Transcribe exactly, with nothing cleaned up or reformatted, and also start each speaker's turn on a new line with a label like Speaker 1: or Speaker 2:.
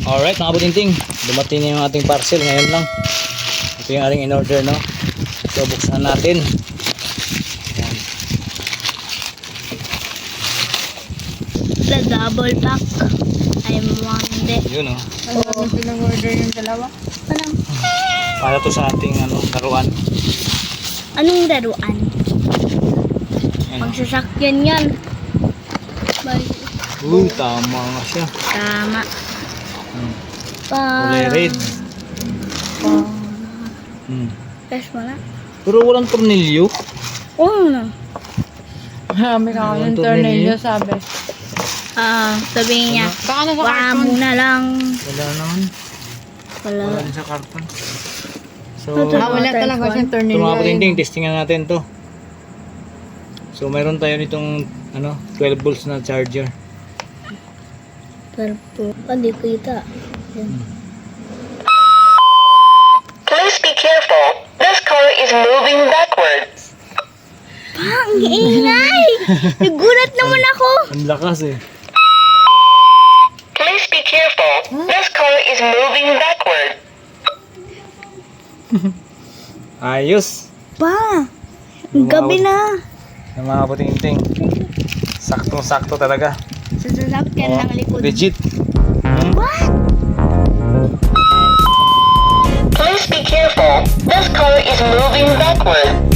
Speaker 1: Alright mga butinting, dumating na yung ating parcel ngayon lang. Ito yung ating in-order, no? So buksan natin. Ayan.
Speaker 2: The double pack. I'm wanted.
Speaker 1: Yun, oh.
Speaker 3: Ano pinag-order yung dalawa?
Speaker 2: Parang,
Speaker 1: Para to sa ating ano, laruan.
Speaker 2: anong laruan?
Speaker 1: Ayan.
Speaker 2: Magsasakyan yan. Bye.
Speaker 1: Uy, tama nga siya.
Speaker 2: Tama.
Speaker 1: Hmm.
Speaker 2: Parang,
Speaker 1: Kulay red. Hmm.
Speaker 2: Test mo na.
Speaker 1: Pero walang tornilyo.
Speaker 2: Oo na.
Speaker 3: Marami ka
Speaker 1: Walang
Speaker 3: yung
Speaker 1: tornilyo.
Speaker 3: tornilyo, sabi.
Speaker 2: Ah, sabihin niya,
Speaker 3: Baka nasa
Speaker 2: wala
Speaker 3: karton.
Speaker 2: muna lang.
Speaker 1: Wala naman. Wala
Speaker 2: Wala.
Speaker 1: rin sa karton. So,
Speaker 2: Ito,
Speaker 3: Ah, wala
Speaker 2: Type
Speaker 3: talaga
Speaker 2: one.
Speaker 3: siyang
Speaker 1: ito
Speaker 3: tornilyo.
Speaker 1: mga
Speaker 3: eh.
Speaker 1: butinting, testingan natin to. So, mayroon tayo nitong ano, twelve volts na charger.
Speaker 2: Pero po, hindi kita. Yan.
Speaker 4: Please be careful. This car is moving backwards.
Speaker 2: Ang ingay! Nagulat naman ako.
Speaker 1: Ang lakas eh.
Speaker 4: Please be careful. This car is moving backwards.
Speaker 1: Ayos.
Speaker 2: Pa, ang gabi na.
Speaker 1: Yung mga butinting. Saktong-sakto talaga.
Speaker 2: Sa sasakyan ng likod.
Speaker 1: Legit. Hmm?
Speaker 2: What?
Speaker 4: Please be careful. This car is moving backwards.